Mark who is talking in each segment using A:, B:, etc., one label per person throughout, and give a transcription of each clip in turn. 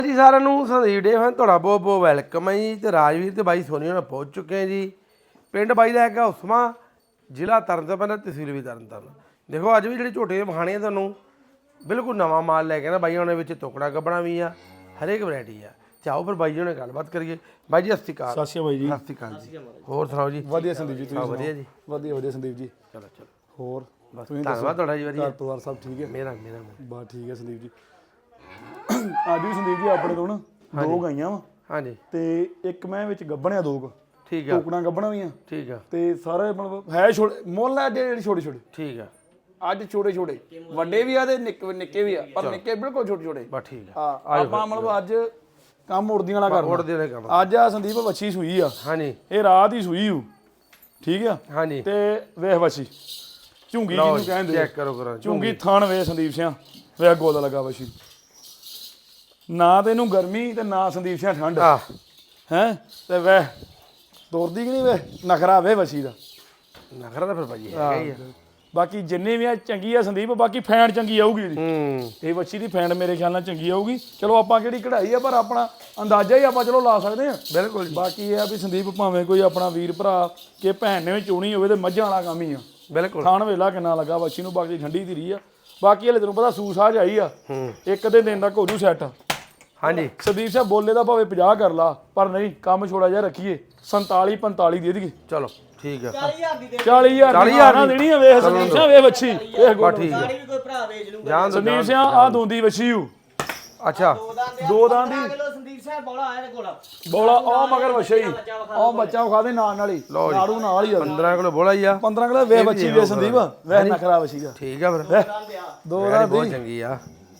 A: ਜੀ ਸਾਰਿਆਂ ਨੂੰ ਸੰਦੀਪ ਡੇ ਫਨ ਤੁਹਾਡਾ ਬਹੁਤ ਬਹੁਤ ਵੈਲਕਮ ਹੈ ਜੀ। ਤੇ ਰਾਜਵੀਰ ਤੇ ਬਾਈ ਸੋਨੀ ਨਾਲ ਪਹੁੰਚ ਚੁੱਕੇ ਆ ਜੀ। ਪਿੰਡ ਬਾਈ ਦਾ ਹੈਗਾ ਉਸਮਾ, ਜ਼ਿਲ੍ਹਾ ਤਰਨਤਾਰਨ, ਤਹਿਸੀਲ ਵੀ ਤਰਨਤਾਰਨ। ਦੇਖੋ ਅੱਜ ਵੀ ਜਿਹੜੀ ਝੋਟੇ ਵਿਖਾਣੇ ਆ ਤੁਹਾਨੂੰ ਬਿਲਕੁਲ ਨਵਾਂ ਮਾਲ ਲੈ ਕੇ ਨਾ ਬਾਈ ਉਹਨਾਂ ਵਿੱਚ ਟੁਕੜਾ ਗੱਬਣਾ ਵੀ ਆ, ਹਰੇਕ ਵੈਰਾਈਟੀ ਆ। ਚਾਹੋ ਫਿਰ ਬਾਈ ਜੀ ਨਾਲ ਗੱਲਬਾਤ ਕਰੀਏ। ਬਾਈ ਜੀ ਸਤਿ ਸ਼੍ਰੀ ਅਕਾਲ।
B: ਸਤਿ ਸ਼੍ਰੀ ਅਕਾਲ ਜੀ।
A: ਸਤਿ ਸ਼੍ਰੀ ਅਕਾਲ ਜੀ। ਹੋਰ ਸੁਣਾਓ ਜੀ?
B: ਵਧੀਆ ਸੰਦੀਪ ਜੀ, ਤੁਸੀਂ
A: ਵਧੀਆ ਜੀ।
B: ਵਧੀਆ ਸੰਦੀਪ ਜੀ।
A: ਚਲੋ ਚਲੋ,
B: ਹੋਰ
A: ਬਸ ਧੰਨਵਾਦ ਤੁਹਾਡਾ ਜੀ। ਵਧੀਆ
B: ਘਰ ਪਰਿਵਾਰ ਸਭ ਠੀਕ ਹੈ?
A: ਮੇਰਾ
B: ਬਸ ਠੀਕ ਹੈ ਸੰਦੀਪ ਜੀ। ਅੱਜ ਵੀ ਸੰਦੀਪ ਜੀ ਆਪਣੇ ਤੋਂ ਨਾ ਦੋ ਗਾਈਆਂ ਵਾ।
A: ਹਾਂਜੀ।
B: ਤੇ ਇੱਕ ਮੈਂ ਵਿੱਚ ਗੱਬਣਿਆ ਦੋ
A: ਠੀਕ ਆ।
B: ਟੋਕਣਾ ਗੱਬਣਾ ਵੀ ਆ।
A: ਠੀਕ ਆ।
B: ਤੇ ਸਾਰੇ ਮਤਲਬ ਹੈ ਛੋਟੇ ਮੁੱਲ ਹੈ ਜਿਹੜੇ ਛੋਟੇ ਛੋਟੇ।
A: ਠੀਕ ਆ।
B: ਅੱਜ ਛੋਟੇ ਛੋਟੇ ਵੱਡੇ ਵੀ ਆ ਤੇ ਨਿੱਕੇ ਵੀ ਆ, ਪਰ ਨਿੱਕੇ ਬਿਲਕੁਲ ਛੋਟੇ ਛੋਟੇ।
A: ਬਸ ਠੀਕ ਆ।
B: ਹਾਂ ਆਪਾਂ ਮਤਲਬ ਅੱਜ ਕੰਮ ਉੜਦੀਆਂ ਵਾਲਾ ਕਰਨਾ।
A: ਉੜਦੇ ਵਾਲੇ ਕੰਮ।
B: ਅੱਜ ਆ ਸੰਦੀਪ ਵੱਛੀ ਸੂਈ ਆ।
A: ਹਾਂਜੀ।
B: ਇਹ ਰਾਤ ਹੀ ਸੂਈ ਹੂ, ਠੀਕ ਆ।
A: ਹਾਂਜੀ।
B: ਤੇ ਵੇਖ ਵੱਛੀ ਝੁੰਗੀ ਜਿਹਨੂੰ ਕਹਿੰਦੇ
A: ਚੈੱਕ ਕਰੋ ਕਰਾਂ
B: ਝੁੰਗੀ ਥਣ ਵੇ ਸੰਦੀਪ ਸਿੰਘ ਵੇ ਗੋਲ ਲੱਗਾ ਵੱਛੀ ਨਾ। ਤੇ ਇਹਨੂੰ ਗਰਮੀ ਤੇ ਨਾ ਸੰਦੀਪ ਸਿੰਘ ਠੰਡ ਹੈ। ਤੇ ਵੇ ਤੋਰਦੀ ਕਿ ਨਹੀਂ ਵੇ ਨਖਰਾ ਵੇ ਵੱਛੀ ਦਾ।
A: ਨਖਰਾ ਤਾਂ ਫਿਰ ਭਾਜੀ ਹੈਗਾ ਹੀ ਆ।
B: ਬਾਕੀ ਜਿੰਨੇ ਵੀ ਆ ਚੰਗੀ ਆ ਸੰਦੀਪ, ਬਾਕੀ ਫੈਨ ਚੰਗੀ ਆਊਗੀ ਇਹਦੀ।
A: ਹੂੰ।
B: ਇਹ ਵੱਛੀ ਦੀ ਫੈਨ ਮੇਰੇ ਖਿਆਲ ਨਾਲ ਚੰਗੀ ਆਊਗੀ। ਚਲੋ ਆਪਾਂ ਕਿਹੜੀ ਕਢਾਈ ਆ, ਪਰ ਆਪਣਾ ਅੰਦਾਜ਼ਾ ਹੀ ਆਪਾਂ ਚਲੋ ਲਾ ਸਕਦੇ ਆ।
A: ਬਿਲਕੁਲ ਜੀ।
B: ਬਾਕੀ ਇਹ ਆ ਵੀ ਸੰਦੀਪ ਭਾਵੇਂ ਕੋਈ ਆਪਣਾ ਵੀਰ ਭਰਾ ਕਿ ਭੈਣ ਨੇ ਵੀ ਚੋਣੀ ਹੋਵੇ ਤੇ ਮੱਝਾਂ ਵਾਲਾ ਕੰਮ ਹੀ ਆ।
A: ਬਿਲਕੁਲ।
B: ਥਾਣ ਵੇਲਾ ਕਿੰਨਾ ਲੱਗਾ ਵੱਛੀ ਨੂੰ, ਬਾਕੀ ਠੰਡੀ ਧੀਰੀ ਆ। ਬਾਕੀ ਹਲੇ ਤੈਨੂੰ ਪਤਾ ਸੂ ਸਾਜ ਆਈ ਆ। ਇੱਕ ਦੇ ਦਿਨ ਤੱਕ ਹੋ ਜੂ ਸੈੱਟ। ਹਾਂਜੀ। ਸੰਦੀਪ ਸਾਹਿਬ ਬੋਲੇ ਦਾ ਭਾਵੇਂ 50 ਕਰ ਲਾ, ਪਰ ਨਹੀਂ ਕੰਮ ਛੋੜਾ ਜਿਹਾ ਰੱਖੀਏ। 47 45 ਦੇ ਦੇਈਏ।
A: ਚਲੋ ਠੀਕ ਆ।
C: 40000 ਦੀ ਦੇ
B: 40000 ਦੀ ਦੇਣੀ ਆ। ਵੇਖ ਸੰਦੀਪ ਸਾਹਿਬ ਵੇ ਵੱਛੀ ਵੇਖ ਗੋਲ
A: ਠੀਕ ਆ।
C: ਗਾੜੀ ਵੀ ਕੋਈ ਭਰਾ ਵੇਚ ਲੂਗਾ।
B: ਸੰਦੀਪ ਸਿੰਘ ਆ ਦੋਂਦੀ ਵੱਛੀ ਹੂ।
A: ਅੱਛਾ।
B: ਦੋ ਦਾਂ ਦੀ
C: ਕਿਲੋ ਸੰਦੀਪ ਸਾਹਿਬ ਬੋਲਾ ਆਇਆ ਤੇ ਕੋਲ
B: ਬੋਲਾ ਉਹ ਮਗਰ ਵੱਛਾ ਹੀ ਉਹ ਬੱਚਾ ਵਿਖਾ ਦੇ ਨਾਲ ਹੀ ਨਾੜੂ ਨਾਲ ਹੀ ਆ।
A: 15 ਕਿਲੋ ਬੋਲਾ ਹੀ ਆ।
B: 15 ਕਿਲੋ ਵੇ ਵੱਛੀ ਵੇ ਸੰਦੀਪ ਵੇ ਨਖਰਾ ਵੱਛੀ ਦਾ।
A: ਠੀਕ ਆ ਫਿਰ।
B: ਦੋ ਦਾ
A: ਬਹੁਤ ਚੰਗੀ ਆ।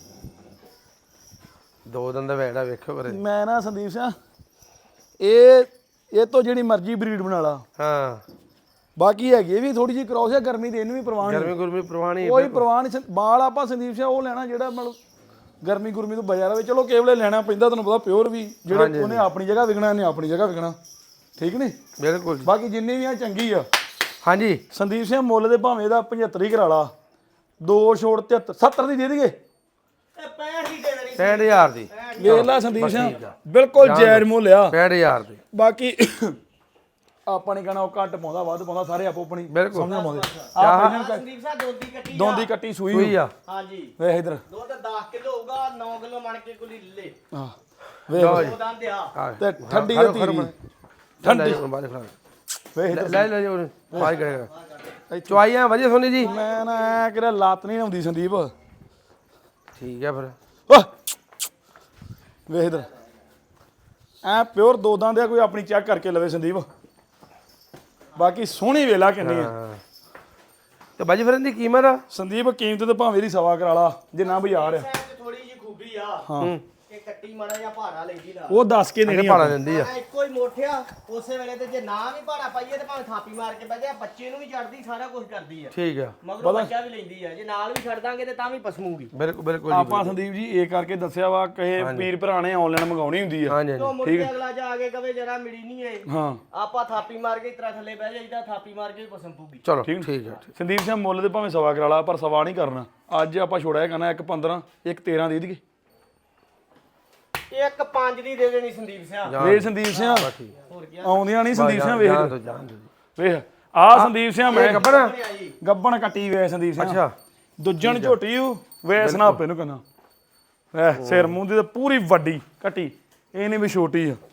A: ਦੋ ਦਿਨ ਦਾ ਵੈੜਾ ਵੇਖੋ ਕਰੇ।
B: ਮੈਂ ਨਾ ਸੰਦੀਪ ਸਿੰਘ ਇਹ ਤੋਂ ਜਿਹੜੀ ਮਰਜ਼ੀ ਬਰੀਡ ਬਣਾ ਲਾ।
A: ਹਾਂ।
B: ਬਾਕੀ ਹੈਗੀ ਵੀ ਥੋੜੀ ਜਿਹੀ ਕ੍ਰੋਸ ਹੈ। ਗਰਮੀ ਦੇ ਇਹਨੂੰ ਵੀ ਪ੍ਰਵਾਹ ਨਹੀਂ।
A: ਗਰਮੀ ਗੁਰਮੀ ਪ੍ਰਵਾਹ ਨਹੀਂ।
B: ਕੋਈ ਪ੍ਰਵਾਹ ਨਹੀਂ। ਬਾਲ ਆਪਾਂ ਸੰਦੀਪ ਸਿੰਘ ਉਹ ਲੈਣਾ ਜਿਹੜਾ ਮਤਲਬ ਗਰਮੀ ਗੁਰਮੀ ਤੋਂ ਬਚਾ ਰਵੇ। ਚਲੋ ਕੇਵਲੇ ਲੈਣਾ ਪੈਂਦਾ ਤੁਹਾਨੂੰ ਪਤਾ ਪਿਓਰ ਵੀ ਜਿਹੜੇ ਉਹਨੇ ਆਪਣੀ ਜਗ੍ਹਾ ਵਿਕਣਾ, ਇਹਨੇ ਆਪਣੀ ਜਗ੍ਹਾ ਵਿਕਣਾ। ਠੀਕ ਨਹੀਂ?
A: ਬਿਲਕੁਲ ਜੀ।
B: ਬਾਕੀ ਜਿੰਨੀ ਵੀ ਆ ਚੰਗੀ ਆ।
A: ਹਾਂਜੀ।
B: ਸੰਦੀਪ ਸਿੰਘ ਮੁੱਲ ਦੇ ਭਾਵੇਂ ਇਹਦਾ 75 ਹੀ ਕਰਾ ਲਾ। 2 ਛੋੜ 73 70 ਦੀ ਦੇ ਦੇਈਏ।
C: 65 ਦੀ ਦੇ ਦੇਣੀ।
A: 65000 ਦੀ।
B: ਵੇਖ ਲੈ ਸੰਦੀਪ ਸਿੰਘ ਬਿਲਕੁਲ ਜਾਇਜ਼ ਮੁੱਲ ਆ।
A: 65000 ਦੀ।
B: ਬਾਕੀ ਆਪਾਂ ਨੇ ਕਹਣਾ ਉਹ ਘੱਟ ਪਾਉਂਦਾ ਵੱਧ ਪਾਉਂਦਾ, ਸਾਰੇ ਆਪੋ ਆਪਣੀ
A: ਬਿਲਕੁਲ
B: ਸਮਝਣ ਪਾਉਂਦੇ।
C: ਸੰਦੀਪ ਸਾਹਿਬ ਦੋਦੀ ਕੱਟੀ
B: ਦੋਂਦੀ ਕੱਟੀ ਸੂਈ
A: ਸੂਈ ਆ।
C: ਹਾਂਜੀ।
B: ਵੇਖ ਇਧਰ
C: ਦੁੱਧ 10 ਕਿਲੋ ਹੋਊਗਾ। 9 ਕਿਲੋ ਮਣ ਕੇ ਕੁਲੀ ਲੈ
B: ਹਾਂ ਵੇਖ
C: ਦੋ ਦੰਦ ਆ।
B: ਤੇ ਠੰਡੀ ਤੇ ਧੀਰੀ ਠੰਡੀ
A: ਬਾਅਦ ਖੜਾ
B: ਵੇਖ ਇਧਰ
A: ਲੈ ਲੈ ਜੀ ਬਾਈ ਕਰੇਗਾ। ਚੁਆਈਆਂ ਵਧੀਆ ਸੋਨੀ ਜੀ।
B: ਮੈਂ ਨਾ ਐ ਕਿਹੜਾ ਲੱਤ ਨਹੀਂ ਆਉਂਦੀ ਸੰਦੀਪ।
A: ਠੀਕ ਆ ਫਿਰ।
B: ਓਹ ਵੇਖ ਇਧਰ ਐ ਪਿਓਰ ਦੋ ਦੰਦ ਆ। ਕੋਈ ਆਪਣੀ ਚੈੱਕ ਕਰਕੇ ਲਵੇ ਸੰਦੀਪ। ਬਾਕੀ ਸੋਹਣੀ ਵੇਲਾ ਕਿੰਨੀ ਆ।
A: ਤੇ ਬਾਜੀ ਫਿਰ ਇਹਦੀ ਕੀਮਤ ਆ
B: ਸੰਦੀਪ ਕੀਮਤ ਤੇ ਭਾਵੇਂ ਦੀ ਸਵਾ ਕਰਾ ਲਾ ਜਿੰਨਾ ਬਾਜ਼ਾਰ ਆ।
C: ਥੋੜੀ ਜਿਹੀ ਖੂਬੀ ਆ
B: ਹਾਂ
C: ਕਿ ਕੱਟੀ ਮੜਾ ਜਾਂ ਭਾੜਾ ਲੈਂਦੀ ਨਾ।
B: ਉਹ ਦੱਸ ਕੇ ਨਹੀਂ
A: ਭਾੜਾ ਦਿੰਦੀ ਆ।
C: ਇੱਕੋ ਹੀ ਮੋਠਿਆ ਉਸੇ ਵੇਲੇ ਤੇ ਜੇ ਨਾ ਵੀ ਭਾੜਾ ਪਾਈਏ ਤੇ ਭਾਵੇਂ ਥਾਪੀ ਮਾਰ ਕੇ ਬਹਿ ਬੱਚੇ ਨੂੰ ਵੀ ਛੱਡਦੀ, ਸਾਰਾ ਕੁਝ ਕਰਦੀ ਆ।
A: ਠੀਕ ਆ।
C: ਮਗਰੋਂ ਬੱਚਾ ਵੀ ਲੈਂਦੀ ਆ। ਜੇ ਨਾਲ ਵੀ ਛੱਡ ਦਾਂਗੇ ਤੇ ਤਾਂ ਵੀ ਪਸਮੂਗੀ।
A: ਬਿਲਕੁਲ ਬਿਲਕੁਲ
B: ਆਪਾਂ ਸੰਦੀਪ ਜੀ ਇਹ ਕਰਕੇ ਦੱਸਿਆ ਵਾ ਕਹੇ ਵੀਰ ਭਰਾ ਨੇ ਆਨਲਾਈਨ ਮੰਗਾਉਣੀ ਹੁੰਦੀ ਆ।
A: ਹਾਂਜੀ
C: ਤੋਂ ਮੁੜ ਕੇ ਅਗਲਾ ਜਾ ਕੇ ਕਵੇ ਜਰਾ ਮਿਲੀ ਨਹੀਂ ਏ।
B: ਹਾਂ
C: ਆਪਾਂ ਥਾਪੀ ਮਾਰ ਕੇ ਇਤਰਾ ਥੱਲੇ ਬਹਿ ਜਾਈਦਾ। ਥਾਪੀ ਮਾਰ ਕੇ ਪਸਮ ਪੂਗੀ।
A: ਚਲੋ ਠੀਕ ਆ।
B: ਸੰਦੀਪ ਸਿੰਘ ਮੁੱਲ ਦੇ ਭਾਵੇਂ ਸਵਾ ਕਰਾ ਲਾ, ਪਰ ਸਵਾ ਨਹੀਂ ਕਰਨਾ। ਅੱਜ ਆਪਾਂ ਛੋੜਿਆ ਕਰਨਾ 1 15 1 13 ਦੇ ਦੇਈਏ।
C: ਇੱਕ 5 ਦੀ ਦੇ ਦੇਣੀ ਸੰਦੀਪ ਸਿੰਘ।
B: ਵੇ ਸੰਦੀਪ ਸਿੰਘ
C: ਹੋਰ ਕੀ
B: ਆਉਂਦੀਆਂ ਨਹੀਂ ਸੰਦੀਪ ਸਿੰਘ ਵੇਖ
A: ਜਾਣ ਦੋ
B: ਵੇਖ ਆ ਸੰਦੀਪ ਸਿੰਘ ਮੈਂ
A: ਗੱਬਣਾ
B: ਗੱਬਣ ਕੱਟੀ ਵੇ ਸੰਦੀਪ ਸਿੰਘ।
A: ਅੱਛਾ।
B: ਦੁੱਜਣ ਝੋਟੀ ਹੂ ਵੇ ਸਨਾਪੇ ਨੂੰ ਕਹਿੰਦਾ ਵੇ ਸਿਰ ਮੂੰਹ ਦੀ ਤੇ ਪੂਰੀ ਵੱਡੀ ਕੱਟੀ। ਇਹ ਨਹੀਂ ਵੀ ਛੋਟੀ ਆ।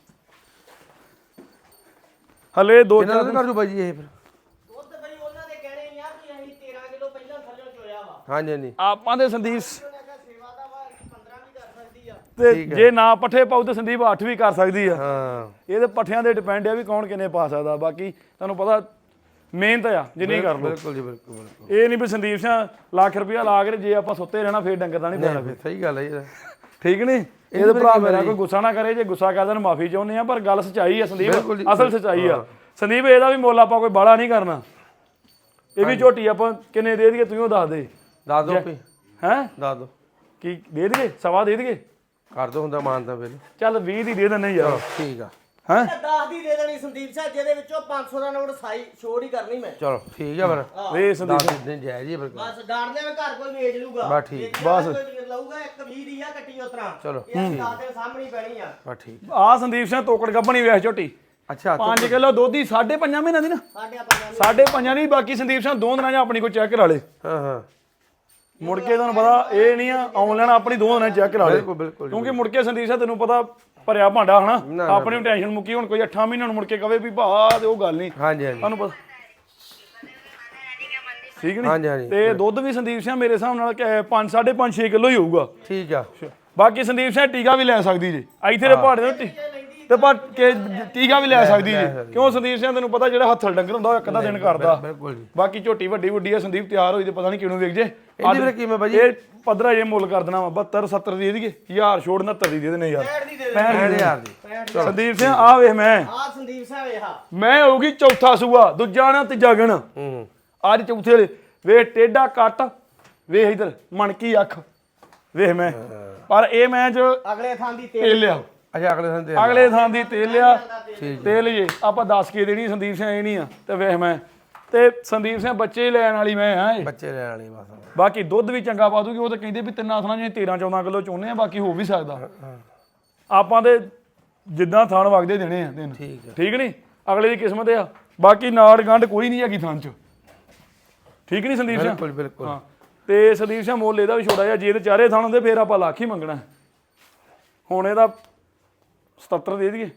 B: ਹਲੇ 2-4
A: ਕਰ ਦੂ ਬਾਜੀ ਇਹ ਫਿਰ।
C: ਦੁੱਧ ਬਈ ਉਹਨਾਂ ਦੇ ਕਹਿਣੇ ਨਹੀਂ ਆ ਕਿ ਅਸੀਂ 13 ਕਿਲੋ ਪਹਿਲਾਂ ਥੱਲੇ ਚੋਇਆ ਵਾ।
A: ਹਾਂਜੀ ਹਾਂਜੀ।
B: ਆਪਾਂ ਦੇ ਸੰਦੀਪ
C: ਸੇਵਾ ਦਾ ਵਾ 15 ਵੀ ਕਰ ਸਕਦੀ ਆ।
B: ਤੇ ਜੇ ਨਾ ਪੱਠੇ ਪਾਉ ਤੇ ਸੰਦੀਪ 8 ਵੀ ਕਰ ਸਕਦੀ ਆ।
A: ਹਾਂ।
B: ਇਹਦੇ ਪੱਠਿਆਂ ਦੇ ਡਿਪੈਂਡ ਆ ਵੀ ਕੌਣ ਕਿੰਨੇ ਪਾ ਸਕਦਾ। ਬਾਕੀ ਤੁਹਾਨੂੰ ਪਤਾ ਮਿਹਨਤ ਆ ਜਿੰਨੀ ਕਰ ਲਓ।
A: ਬਿਲਕੁਲ ਜੀ ਬਿਲਕੁਲ ਬਿਲਕੁਲ।
B: ਇਹ ਨਹੀਂ ਵੀ ਸੰਦੀਪ ਸਿੰਘ ਲੱਖ ਰੁਪਇਆ ਲਾ ਕੇ ਜੇ ਆਪਾਂ ਸੁੱਤੇ ਰਹਿਣਾ ਫੇਰ ਡੰਗਰ ਦਾ ਨਹੀਂ ਪੈਣਾ।
A: ਸਹੀ ਗੱਲ ਹੈ ਜੀ।
B: ਠੀਕ ਨਹੀਂ? ਇਹਦੇ ਭਰਾ ਮੇਰਾ ਕੋਈ ਗੁੱਸਾ ਨਾ ਕਰੇ। ਜੇ ਗੁੱਸਾ ਕਰਦਾ ਨੂੰ ਮਾਫੀ ਚਾਹੁੰਦੇ ਆ, ਪਰ ਗੱਲ ਸੱਚਾਈ ਆ ਸੰਦੀਪ, ਅਸਲ ਸੱਚਾਈ ਆ ਸੰਦੀਪ। ਇਹਦਾ ਵੀ ਮੁੱਲ ਆਪਾਂ ਕੋਈ ਬਾਹਲਾ ਨਹੀਂ ਕਰਨਾ। ਇਹ ਵੀ ਝੋਟੀ ਆਪਾਂ ਕਿੰਨੇ ਦੇ ਦਈਏ ਤੂੰ ਦੱਸ ਦੇ।
A: ਦੱਸ ਦੋ
B: ਹੈ
A: ਦੱਸ ਦੋ
B: ਕੀ ਦੇ ਦਈਏ? ਸਵਾ ਦੇ ਦਈਏ?
A: ਕਰ ਦੋ ਹੁੰਦਾ ਮਾਨ ਤਾਂ ਫਿਰ।
B: ਚੱਲ 20 ਦੀ ਦੇ ਦਿੰਦੇ ਯਾਰ।
A: ਠੀਕ ਆ।
B: ਹੈਂ
C: 10 ਦੀ ਦੇ ਦੇਣੀ ਸੰਦੀਪ ਸਾਹਿਬ, ਜਿਹਦੇ ਵਿੱਚੋਂ 500 ਦਾ ਨੋਟ ਸਾਈ ਛੋੜ ਹੀ ਕਰਨੀ ਮੈਂ।
A: ਚਲੋ ਠੀਕ ਆ ਫਿਰ
B: ਵੇ ਸੰਦੀਪ
A: ਦੱਸ ਦਿਨ ਜਾਇਜ਼ ਹੀ ਫਿਰ
C: ਬਸ ਡਾਂਡਦੇ ਮੈਂ ਘਰ ਕੋਈ ਵੇਚ ਲੂਗਾ,
A: ਬਸ ਠੀਕ।
C: ਬਸ ਲਊਗਾ 120 ਦੀ ਆ ਕੱਟੀ ਉਤਰਾ।
A: ਚਲੋ
C: ਇਹ 10 ਦੇ ਸਾਹਮਣੇ ਹੀ ਪੈਣੀ ਆ।
A: ਬਸ ਠੀਕ
B: ਆ ਸੰਦੀਪ ਸਿੰਘ ਤੋਕੜ ਗੱਬਣੀ ਵੇਖ ਝੋਟੀ
A: ਅੱਛਾ
B: 5 ਕਿਲੋ ਦੁੱਧ ਦੀ 5.5 ਮਹੀਨਿਆਂ ਦੀ ਨਾ,
C: ਸਾਡੇ ਆਪਾਂ
B: 5.5 ਦੀ। ਬਾਕੀ ਸੰਦੀਪ ਸਿੰਘ 2 ਦਿਨਾਂ 'ਚ ਆਪਣੀ ਕੋਈ ਚੈੱਕ ਕਰਾ ਲੇ,
A: ਹਾਂ
B: ਮੁੜ ਕੇ ਤੁਹਾਨੂੰ ਪਤਾ ਇਹ ਨਹੀਂ ਆ ਆਨਲਾਈਨ ਆਪਣੀ 2 ਦਿਨਾਂ 'ਚ ਚੈੱਕ ਕਰਾ ਲੇ,
A: ਬਿਲਕੁਲ ਬਿਲਕੁਲ
B: ਕਿਉਂਕਿ ਮੁੜ ਕੇ ਸੰਦੀਪ ਸਿੰਘ ਤੈਨੂੰ ਪਤਾ ਭਰਿਆ ਭਾਂਡਾ ਹਨਾ, ਆਪਣੀ ਵੀ ਟੈਨਸ਼ਨ ਮੁੱਕੀ। ਹੁਣ ਕੋਈ 8 ਮਹੀਨਿਆਂ ਨੂੰ ਮੁੜ ਕੇ ਕਵੇ ਵੀ ਭਾ ਤੇ ਉਹ ਗੱਲ ਨਹੀਂ,
A: ਹਾਂਜੀ ਹਾਂਜੀ
B: ਤੁਹਾਨੂੰ ਪਤਾ ਠੀਕ
A: ਹਾਂਜੀ,
B: ਨਹੀਂ।
A: ਹਾਂਜੀ।
B: ਤੇ ਦੁੱਧ ਵੀ ਸੰਦੀਪ ਸਿੰਘ ਮੇਰੇ ਹਿਸਾਬ ਨਾਲ 5 5.5 6 ਕਿਲੋ ਹੀ ਹੋਊਗਾ।
A: ਠੀਕ ਆ
B: ਬਾਕੀ ਸੰਦੀਪ ਸਿੰਘ ਟੀਕਾ ਵੀ ਲੈ ਸਕਦੀ ਜੀ ਇੱਥੇ ਦੇ ਪਹਾੜੇ ਦੇ ਤੇ ਪਰ ਟੀਕਾ ਵੀ ਲੈ ਸਕਦੀ ਜੀ, ਕਿਉਂ ਸੰਦੀਪ ਸਿੰਘ ਤੈਨੂੰ ਪਤਾ ਜਿਹੜਾ ਹੱਥਲ ਡੰਗਰ ਹੁੰਦਾ ਉਹ ਇੱਕ ਅੱਧਾ ਦਿਨ ਕਰਦਾ।
A: ਬਿਲਕੁਲ ਜੀ।
B: ਬਾਕੀ ਝੋਟੀ ਵੱਡੀ ਵੱਡੀ ਆ ਸੰਦੀਪ, ਤਿਆਰ ਹੋਈ ਤੇ ਪਤਾ ਨਹੀਂ ਕਿਹਨੂੰ ਵੇਖ ਜੇ।
A: ਇਹਦੀ ਫਿਰ ਕਿਵੇਂ ਬਾਜੀ?
B: ਇਹ ਪੱਧਰਾ ਜੇ ਮੁੱਲ ਕਰ ਦੇਣਾ ਵਾ 72 70 ਦੀ ਦੇਈਏ, 1000 ਛੋੜ 69 ਦੀ ਦੇ ਦੇਣੇ ਯਾਰ।
C: 65 ਦੀ ਦੇ ਦੇ
A: 65000 ਦੀ
B: ਸੰਦੀਪ ਸਿੰਘ ਆ ਵੇਖ ਮੈਂ
C: ਆ ਸੰਦੀਪ ਸਾਹਿਬ ਇਹ
B: ਮੈਂ ਹੋਊਗੀ ਚੌਥਾ ਸੂਆ, ਦੂਜਾ ਨਾ ਤੀਜਾ ਗਣ,
A: ਹੂੰ
B: ਅੱਜ ਚੌਥੇ ਵਾਲੇ। ਵੇਖ ਟੇਡਾ ਕੱਟ, ਵੇਖ ਇਧਰ ਮਣਕੀ ਅੱਖ, ਵੇਖ ਮੈਂ ਪਰ ਇਹ ਮੈਂ ਜੋ
C: ਅਗਲੇ ਥਾਂ ਦੀ
B: ਤੇਲ ਲਿਆ,
A: ਅੱਛਾ ਅਗਲੇ ਦਿਨ ਤੇ
B: ਅਗਲੇ ਥਾਂ ਦੀ ਤੇਲ ਲਿਆ,
A: ਠੀਕ
B: ਤੇਲ ਜੇ ਆਪਾਂ 10 ਕੇ ਦੇਣੀ ਸੰਦੀਪ ਸਿੰਘ ਇਹ ਨਹੀਂ ਆ। ਤੇ ਵੇਖ ਮੈਂ ਤੇ ਸੰਦੀਪ ਸਿੰਘ ਬੱਚੇ ਲੈਣ ਵਾਲੀ ਮੈਂ ਆ ਇਹ।
A: ਬੱਚੇ ਲੈਣ ਵਾਲੀ ਬਸ
B: ਬਾਕੀ ਦੁੱਧ ਵੀ ਚੰਗਾ ਪਾ ਦੂਗੀ, ਉਹ ਤਾਂ ਕਹਿੰਦੇ ਵੀ ਤਿੰਨਾਂ ਥਾਂ ਜਿਵੇਂ 13 14 ਕਿਲੋ ਚੋਨੇ ਆ, ਬਾਕੀ ਹੋ ਵੀ ਸਕਦਾ। ਆਪਾਂ ਤੇ ਜਿੱਦਾਂ ਥਾਣ ਵਗਦੇ ਦੇਣੇ ਆ ਦਿਨ,
A: ਠੀਕ ਆ
B: ਠੀਕ ਨਹੀਂ, ਅਗਲੇ ਦੀ ਕਿਸਮਤ ਆ। ਬਾਕੀ ਨਾੜ ਗੰਢ ਕੋਈ ਨਹੀਂ ਹੈਗੀ ਥਾਂ 'ਚ, ਠੀਕ ਨਹੀਂ ਸੰਦੀਪ ਸਿੰਘ?
A: ਬਿਲਕੁਲ ਬਿਲਕੁਲ
B: ਹਾਂ ਤੇ ਸੰਦੀਪ ਸਿੰਘ ਮੁੱਲ ਇਹਦਾ ਵੀ ਛੋੜਾ ਜਿਹਾ, ਜੇ ਤੇ ਚਾਰੇ ਥਾਂ ਹੁੰਦੇ ਫੇਰ ਆਪਾਂ ਲੱਖ ਹੀ ਮੰਗਣਾ। ਹੁਣ ਇਹਦਾ 77 ਦੇ ਦਈਏ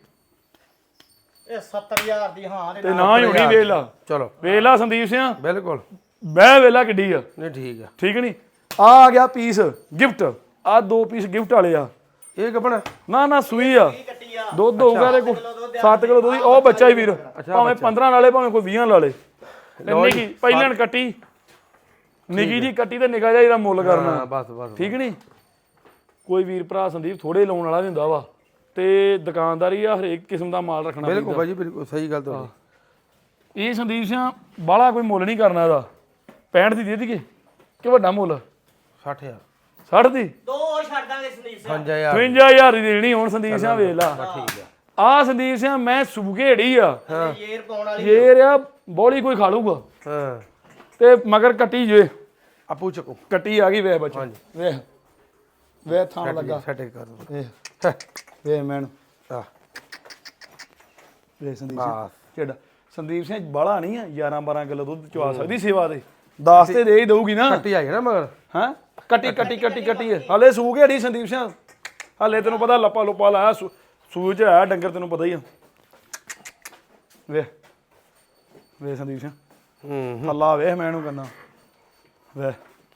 C: ਇਹ 70000 ਦੀ ਹਾਂ
B: ਤੇ ਨਾ ਹੀ ਹੋਣੀ। ਵੇਖ ਲਾ,
A: ਚਲੋ
B: ਵੇਖ ਲਾ ਸੰਦੀਪ ਸਿੰਘ,
A: ਬਿਲਕੁਲ
B: ਬਹਿ ਵੇਲਾ ਕਿੱਡੀ ਆ,
A: ਨਹੀਂ ਠੀਕ ਆ
B: ਠੀਕ ਨਹੀਂ? ਆ ਗਿਆ ਪੀਸ ਗਿਫਟ, ਆ 2 ਪੀਸ ਗਿਫਟ ਵਾਲੇ ਆ।
A: ਇਹ ਕੱਪੜਾ
B: ਨਾ ਨਾ ਸੂਈ ਆ,
C: ਕੱਟੀ ਆ।
B: ਦੁੱਧ ਹੋਊਗਾ ਇਹਦੇ ਕੋਲ 7 ਕਿਲੋ ਦੁੱਧ। ਉਹ ਬੱਚਾ ਹੀ ਵੀਰ, ਭਾਵੇਂ 15 ਲਾ ਲੇ ਭਾਵੇਂ ਕੋਈ 20 ਲਾ ਲੇ। ਨਿੱਕੀ ਪਹਿਲਾਂ ਕੱਟੀ, ਨਿੱਕੀ ਜੀ ਕੱਟੀ ਤੇ ਨਿੱਕਾ ਜਿਹਾ ਇਹਦਾ ਮੁੱਲ ਕਰਨਾ,
A: ਹਾਂ ਬਸ ਬਸ
B: ਠੀਕ ਨਹੀਂ? ਕੋਈ ਵੀਰ ਭਰਾ ਸੰਦੀਪ ਥੋੜੇ ਲਾਉਣ ਵਾਲਾ ਵੀ ਹੁੰਦਾ ਵਾ, ਤੇ ਦੁਕਾਨਦਾਰੀ ਆ ਹਰੇਕ ਕਿਸਮ ਦਾ ਮਾਲ ਰੱਖਣਾ
A: ਬਿਲਕੁਲ ਭਾਜੀ ਬਿਲਕੁਲ ਸਹੀ ਗੱਲ ਤੁਹਾਡੀ।
B: ਇਹ ਸੰਦੀਪ ਸਿੰਘ ਬਾਹਲਾ ਕੋਈ ਮੁੱਲ ਨਹੀਂ ਕਰਨਾ ਇਹਦਾ। 65 ਦੀ ਦੇ ਦਈਏ ਕਿ ਵੱਡਾ ਮੁੱਲ?
A: 60000
B: 60 ਦੀ
C: ਦੋ ਹੋਰ ਛੱਡ ਦਾਂਗੇ ਸੰਦੀਪ ਸਾਹਿਬ।
A: 5000
B: 55000 ਦੀ ਦੇਣੀ ਹੁਣ ਸੰਦੀਪ ਸਿੰਘ, ਵੇਖ ਲਾ।
A: ਠੀਕ ਆ
B: ਆ ਸੰਦੀਪ ਸਿੰਘ ਮੈਂ ਸੂਗੇੜੀ ਆ,
C: ਯੇਰ ਪਾਉਣ ਵਾਲੀ
B: ਇਹ ਰਿਆ ਬੋਲੀ ਕੋਈ ਖਾ ਲੂਗਾ
A: ਹਾਂ
B: ਤੇ ਮਗਰ ਕੱਟੀ ਜੇ
A: ਆਪੂ ਚੱਕੋ
B: ਕੱਟੀ ਆ ਗਈ ਵੇਖ ਬੱਚਾ, ਵੇਖ ਵੇਖ ਥਾਂ ਲੱਗਾ,
A: ਸੈਟ ਕਰ ਦੋ
B: ਵੇਖ ਵੇਖ ਮੈਨ
A: ਆ
B: ਵੇਖ ਸੰਦੀਪ ਸਿੰਘ
A: ਬਸ
B: ਜਿਹੜਾ ਸੰਦੀਪ ਸਿੰਘ ਬਾਲਾ ਨਹੀਂ ਆ, 11 12 ਕਿਲੋ ਦੁੱਧ ਚਵਾ ਸਕਦੀ ਸੇਵਾ ਦੇ, 10 ਤੇ ਦੇ ਹੀ ਦਊਗੀ ਨਾ।
A: ਕੱਟੀ ਆਈ ਨਾ ਮਗਰ
B: ਹਾਂ ਕੱਟੀ ਕੱਟੀ ਕੱਟੀ ਕੱਟੀ ਹਲੇ ਸੂਗੇੜੀ ਸੰਦੀਪ ਸਿੰਘ, ਹਲੇ ਤੈਨੂੰ ਪਤਾ ਲੱਪਾ ਲੁੱਪਾ ਲਾਇਆ ਸੂਈ ਚ ਆਇਆ ਡੰਗਰ, ਤੈਨੂੰ ਪਤਾ ਹੀ ਆ। ਵੇਖ ਵੇਖ ਸੰਦੀਪ ਸਿੰਘ ਅੱਲਾ ਵੇਖ ਮੈਂ ਇਹਨੂੰ ਕਹਿੰਦਾ ਵੇ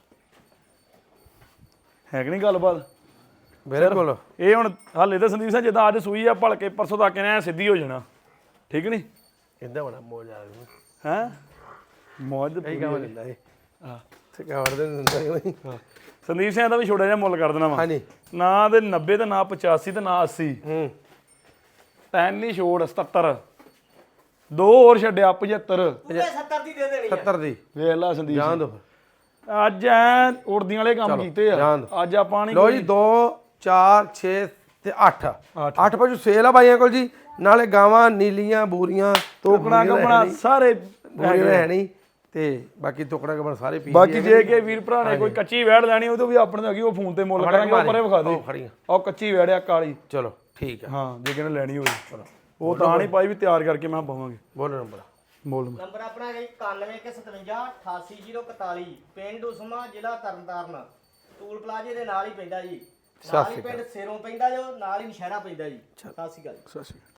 B: ਹੈ ਕਿ ਨਹੀਂ ਗੱਲਬਾਤ?
A: ਬਿਲਕੁਲ
B: ਇਹ ਹੁਣ ਹਾਲੇ ਤਾਂ ਸੰਦੀਪ ਸਿੰਘ ਜਿੱਦਾਂ ਅੱਜ ਸੂਈ ਆ ਭਲਕੇ ਪਰਸੋਂ ਤੱਕ ਇਹਨੇ ਸਿੱਧੀ ਹੋ ਜਾਣਾ, ਠੀਕ ਨਹੀਂ?
A: ਇਦਾਂ ਬੜਾ ਮੋਜ ਆ ਗਿਆ
B: ਹੈ ਮੌਜ
A: ਕਈ ਕੰਮ ਲੈਂਦਾ ਇਹ
B: ਹਾਂ
A: ਤੇ ਕਵਰ ਦੇ ਦਿੰਦਾ ਨਹੀਂ
B: ਸੰਦੀਪ ਸਿੰਘ ਦਾ ਵੀ ਛੋਟਾ ਜਿਹਾ ਮੁੱਲ ਕਰ ਦੇਣਾ ਵਾ,
A: ਹਾਂਜੀ
B: ਨਾ ਤੇ 90 ਤੇ ਨਾ 85 ਤੇ ਨਾ 80, ਤੈਨ ਨਹੀਂ ਛੋੜ 77, 2 ਹੋਰ ਛੱਡਿਆ 75।
C: 70 ਦੀ ਦੇ ਦੇਣੀ ਆ।
A: 70 ਦੀ
B: ਵੇਖ ਲਾ ਸੰਦੀਪ
A: ਜਾਣ
B: ਸਿੰਘ,
A: ਦੋ
B: ਅੱਜ ਐ ਉੜਦੀਆਂ ਵਾਲੇ ਕੰਮ ਕੀਤੇ ਆ,
A: ਜਾਣ ਦਿਓ।
B: ਅੱਜ ਆਪਾਂ ਨਹੀਂ
A: ਲੋ ਜੀ 2 4 6 ਤੇ 8
B: ਅੱਠ।
A: 8 ਪਸ਼ੂ ਸੇਲ ਆ ਬਾਈਆਂ ਕੋਲ ਜੀ, ਨਾਲੇ ਗਾਵਾਂ ਨੀਲੀਆਂ ਬੂਰੀਆਂ
B: ਤੋਕਣਾ ਕਪਣਾ ਸਾਰੇ
A: ਬੂਰੀਆਂ ਹੈ ਨਹੀਂ ਤੇ ਬਾਕੀ ਤੋਕੜਾ ਕਪੜਾ ਸਾਰੇ ਪੀ
B: ਬਾਕੀ ਜੇ ਕਿ ਵੀਰ ਭਰਾ ਨੇ ਕੋਈ ਕੱਚੀ ਵੈੜ ਲੈਣੀ ਉਹ ਤੋਂ ਵੀ ਆਪਣੇ ਤੋਂ ਹੈਗੀ, ਉਹ ਫੋਨ ਤੇ ਮੁੱਲ ਕਰਾਂਗੇ, ਉਹ ਪਰੇ ਵਿਖਾ ਦੇ
A: ਖੜੀਆਂ
B: ਉਹ ਕੱਚੀ ਵੈੜ ਆ ਕਾਲੀ,
A: ਚਲੋ ਠੀਕ ਆ
B: ਹਾਂ ਜੇ ਕਿਨੇ ਲੈਣੀ ਹੋਵੇ ਉਹ ਤਾਂ ਨਹੀਂ ਪਾਈ ਵੀ ਤਿਆਰ ਕਰਕੇ ਮੈਂ ਪਾਵਾਂਗੇ
A: ਬੋਲੋ ਨੰਬਰ
B: ਮੁੱਲ।
C: ਨੰਬਰ ਆਪਣਾ ਹੈ 9157 88041, ਪਿੰਡ ਉਸਮਾ, ਜ਼ਿਲ੍ਹਾ ਤਰਨਤਾਰਨ, ਟੂਲ ਪਲਾਜ਼ੇ ਦੇ ਨਾਲ ਹੀ ਪੈਂਦਾ ਜੀ। ਨਾਲ ਹੀ ਪਿੰਡ ਸਿਰੋਂ ਪੈਂਦਾ ਜੋ, ਨਾਲ ਹੀ ਨਸ਼ਹਿਰਾ ਪੈਂਦਾ ਜੀ। ਸਤਿ ਸ਼੍ਰੀ ਅਕਾਲ।
B: ਸਤਿ ਸ਼੍ਰੀ ਅਕਾਲ।